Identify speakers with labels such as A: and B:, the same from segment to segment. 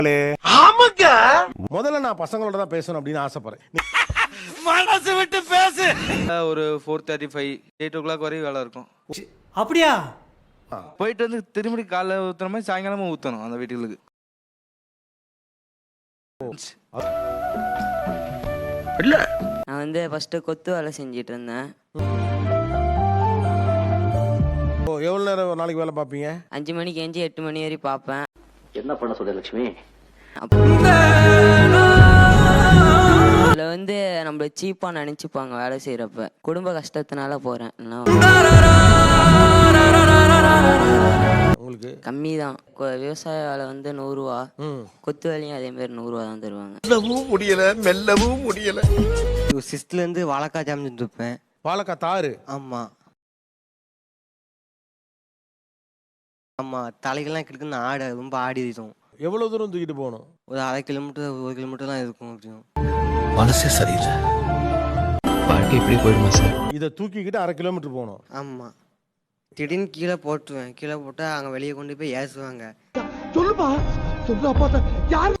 A: ஆமாங்க.
B: முதல்ல நான் பசங்களோட தான் பேசணும் அப்படின்னு ஆசைப்படுறேன்.
A: மனசு விட்டு பேசு.
C: ஒரு 4:35 8 o'clock வரையும் வேலை இருக்கும்.
D: அப்படியா?
C: போயிட்டு வந்து திரும்பி காலைல ஊத்துற மாதிரி சாயங்காலமும் ஊத்தணும் அந்த வீட்டுகளுக்கு.
A: இல்ல
E: நான் வந்து ஃபர்ஸ்ட் கொத்து வேலை செஞ்சிட்டு இருந்தேன்.
B: எவ்வளவு நேரம் ஒரு நாளைக்கு வேலை பார்ப்பீங்க?
E: 5 மணிக்கு எஞ்சி 8 மணி வரை பார்ப்பேன்.
F: என்ன பண்ண சொல்ற லட்சுமி?
E: அதுல வந்து நம்மள சீப்பா நினைச்சுப்பாங்க வேலை செய்யறப்ப. குடும்ப கஷ்டத்தினால போறேன்.
B: உங்களுக்கு
E: கம்மி தான். விவசாய வேலை வந்து 100 ரூபா, கொத்து வேலையும் அதே மாதிரி 100 ரூபா தான் தருவாங்க.
A: மெல்லவும் முடியல, மெல்லவும் முடியல.
G: 6th இருந்து வாழைக்காய் ஜாமிட்டு இருப்பேன்.
B: வாழைக்காய் தாறு.
G: ஆமா ஆமா, தலைகள்லாம் கிடக்குன்னு ஆட ரொம்ப ஆடிடும்.
B: எவ்வளவு தூரம் தூக்கிட்டு போகணும்?
G: ஒரு 1/2 கிலோமீட்டர் 1 கிலோமீட்டர் தான் இருக்கும். அப்படியும்
A: மனசே சரியில்லை. வாழ்க்கை இப்படி போயிடுமா சார்?
B: இதை தூக்கிக்கிட்டு 1/2 கிலோமீட்டர் போகணும்.
G: ஆமா, திடீர்னு கீழே போட்டுருவேன். கீழே போட்டா அங்க வெளியே கொண்டு போய் ஏசுவாங்க.
A: சொல்லுப்பா, சொல்லு அப்பா. யார்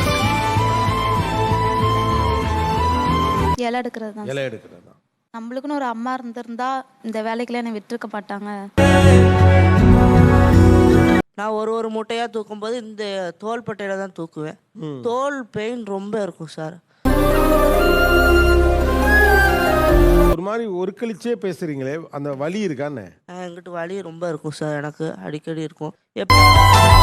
H: இலை எடுக்கிறது தான்.
B: இலை எடுக்கிறது தான்.
H: நம்மளுக்குன்னு ஒரு அம்மா இருந்திருந்தா இந்த வேலைக்கெல்லாம் என்னை விட்டுருக்க மாட்டாங்க.
I: நான் ஒரு மூட்டையாக தூக்கும்போது இந்த தோள்பட்டையில தான் தூக்குவேன். தோல் பெயின் ரொம்ப இருக்கும் சார்.
B: ஒரு மாதிரி ஒரு கழிச்சே பேசுறீங்களே, அந்த வலி இருக்கான்னு?
I: என்கிட்ட வலி ரொம்ப இருக்கும் சார். எனக்கு அடிக்கடி இருக்கும்.